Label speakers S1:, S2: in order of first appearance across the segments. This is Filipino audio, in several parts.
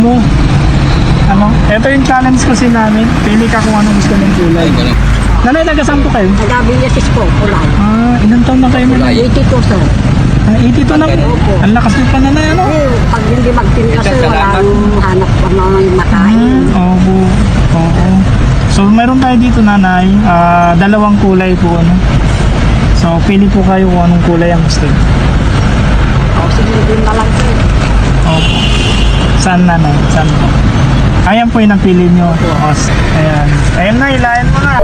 S1: mo. Ito yung challenge kasi namin. Pili ka kung anong gusto mong kulay. Nanay, nagasampo kayo?
S2: Nag-abiyasis po, kulay.
S1: Ilang taon na kayo nanay?
S2: 82 sir.
S1: 82 na po. Ang lakas yung pananay, ano?
S2: Pag hindi magtinda sir, walang hanap pa mga makain.
S1: Oo. So, meron tayo dito nanay. Dalawang kulay po, ano? So, pili po kayo kung anong kulay ang gusto.
S2: Sige, din na lang sir.
S1: Opo. Saan nanay? Saan po? Ayan po yung napili nyo. Ayan. Ayan na, ilayan mo na.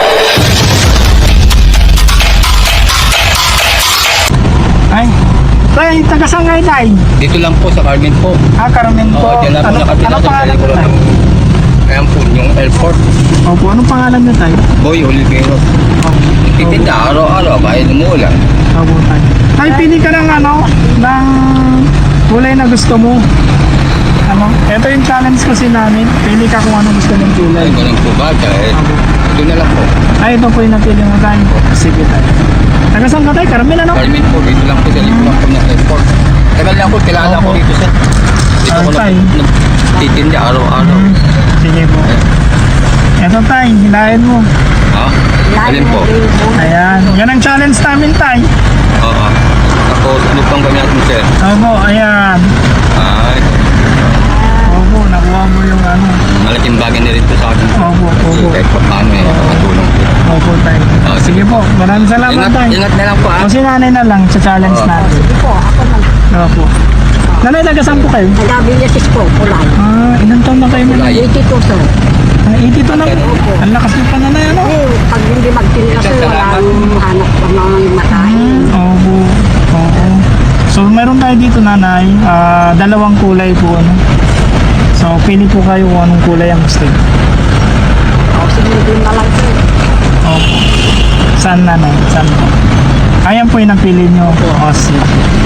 S1: Ay. Tay, taga-saan kayo tay?
S3: Dito lang po sa Carmen po.
S1: Carmen po.
S3: Diyan lang po nakatira
S1: Ano
S3: sa
S1: pangalan nyo tay?
S3: Ayan po, yung L4.
S1: Opo, anong pangalan nyo tay?
S3: Boy Olivero. Titinda, araw-araw, kahit umuulan.
S1: Opo tay. Tay, pili ka ng ng kulay na gusto mo. Ito yung challenge kasi namin. Pili ka kung anong gusto mong kulay.
S3: Ay, ganun po ba? Ito na lang po.
S1: Ito po yung napili mo tayo. Sige tayo. Taga-saan ka tayo? Carmen, ano?
S3: Carmen po, dito lang po sa lipo lang po ng L4. Tagal lang po, kilala ko dito sir. Dito ko
S1: Tay.
S3: nagtitinda araw-araw.
S1: Sige po. Ito tayo, hilahin mo.
S3: Alin po?
S1: Ayan. Yan ang challenge namin tayo.
S3: Oo. Tapos, ano pang gamitin sir?
S1: Opo, ayan.
S3: Ay,
S1: Opo, nakuha mo yung
S3: malaking bagay na rin po sa akin.
S1: Opo.
S3: Kahit pa paano makatulong po.
S1: Opo tayo. Sige po, maraming salamat tayo.
S3: Ingat na lang po
S1: O si nanay na lang sa challenge natin.
S2: Sige po, ako lang.
S1: Opo. Nanay, taga-saan po kayo?
S2: Nag-abiyasis po, kulay.
S1: Ilang taon na kayo nanay?
S2: 82 sir.
S1: 82 na po. Ang lakas yung pananay, ano?
S2: Pag hindi magtinda sir, walang hanap pa mga makain.
S1: Oo. So, meron tayo dito nanay. Dalawang kulay po, ano? So, pili po kayo kung anong kulay ang gusto.
S2: Sige, din na lang sir.
S1: Opo. Saan nanay? Saan po? Ayan po yung napili nyo. Sige.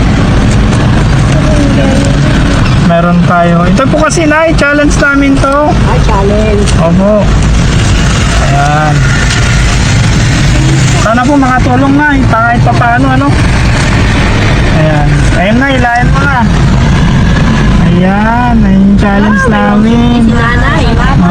S1: Meron tayo. Ito po kasi na, challenge namin to.
S2: Ay, challenge.
S1: Opo. Ayan. Sana po makatulong na. Kahit pa paano, ano? Ayan. Ayan na, ilayan mo na. Ayan. Ayan yung challenge namin.
S2: Si nanay.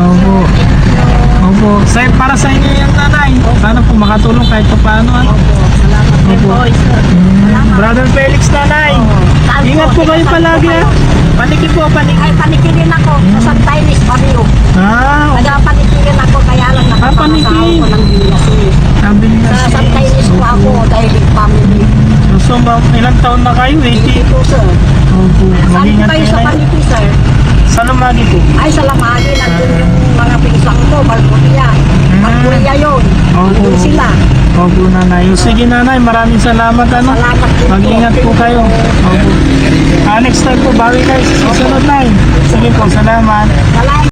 S1: Opo. Para sa inyo yung nanay. Sana po makatulong kahit pa paano, ano?
S2: Salamat din po, sir.
S1: Brother Felix nanay. Ingat po kayo palagi, ha? Paniki po, paniki.
S2: Ay, panikirin ako sa Chinese Barrio. Nagpanikirin ako, kaya lang
S1: paniki.
S2: nakapakasaw ko ng biyasis. Sa Chinese po ako, dahil family.
S1: So, ilang taon na kayo? 80?
S2: Ito, sir.
S1: Opo.
S2: Saan
S1: Mag-ingat
S2: kayo sa
S1: kayo.
S2: paniki, sir?
S1: Sa Lumagi po.
S2: Ay, sa Lamagi, nandun yung mga pinsang ko, Balburia. Balburia yun. Nandun sila.
S1: Opo, nanay. Sige, nanay. Maraming salamat, ano?
S2: Salamat din po.
S1: Mag-ingat po kayo. Opo. Next time po, bawi kayo sa susunod, nay. Sige po, salamat.
S2: Salamat.